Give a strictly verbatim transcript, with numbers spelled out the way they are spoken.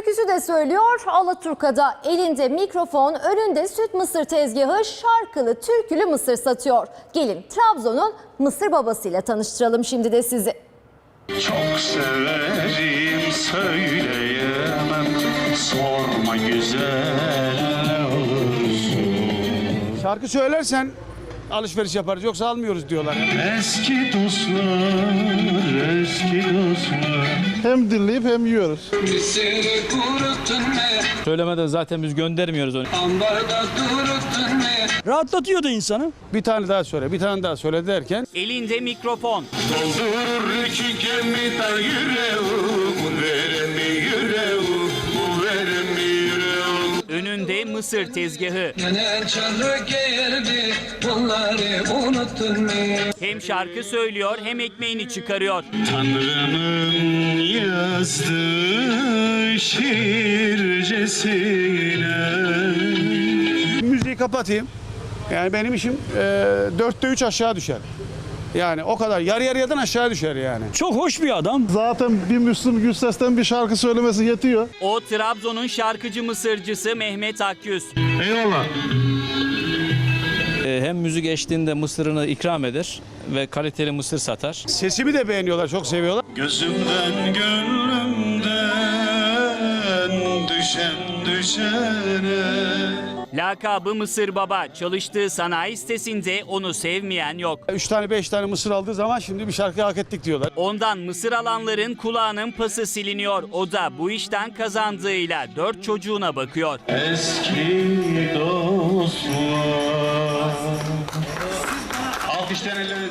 türküsü de söylüyor. Alaturka'da elinde mikrofon, önünde süt mısır tezgahı, şarkılı, türkülü mısır satıyor. Gelin Trabzon'un mısır babasıyla tanıştıralım şimdi de sizi. Çok severim söyleyemem, sorma güzel olursun. Şarkı söylersen alışveriş yaparız, yoksa almıyoruz diyorlar. Eski dostlar, eski dostlar. Hem dinleyip hem yiyoruz. Söylemeden zaten biz göndermiyoruz onu. Rahatlatıyordu insanı. Bir tane daha söyle, bir tane daha söyle derken Elinde mikrofon. Doldurur iki gemiden yüreğim, veremi yüreğim, bu veremi yüreğim. Önünde mısır tezgahı. Yine çarı geldi, bunları unuttun mu? Hem şarkı söylüyor hem ekmeğini çıkarıyor. Tanrı'nın yazdığı şiircesine. müziği kapatayım. Yani benim işim e, dörtte üç aşağı düşer. Yani o kadar, yarı yarıyadan aşağı düşer yani. Çok hoş bir adam. Zaten bir Müslüm Gürses'ten bir şarkı söylemesi yetiyor. O Trabzon'un şarkıcı mısırcısı Mehmet Akyüz. Eyvallah. Ee, hem müzik eşliğinde mısırını ikram eder ve kaliteli mısır satar. Sesimi de beğeniyorlar, çok seviyorlar. Gözümden gönlümden düşen düşene. Lakabı Mısır Baba. Çalıştığı sanayi sitesinde onu sevmeyen yok. Üç tane beş tane mısır aldığı zaman şimdi bir şarkı hak ettik diyorlar. Ondan mısır alanların kulağının pası siliniyor. O da bu işten kazandığıyla dört çocuğuna bakıyor. Eski dostlar. Alkışlar ellerinize.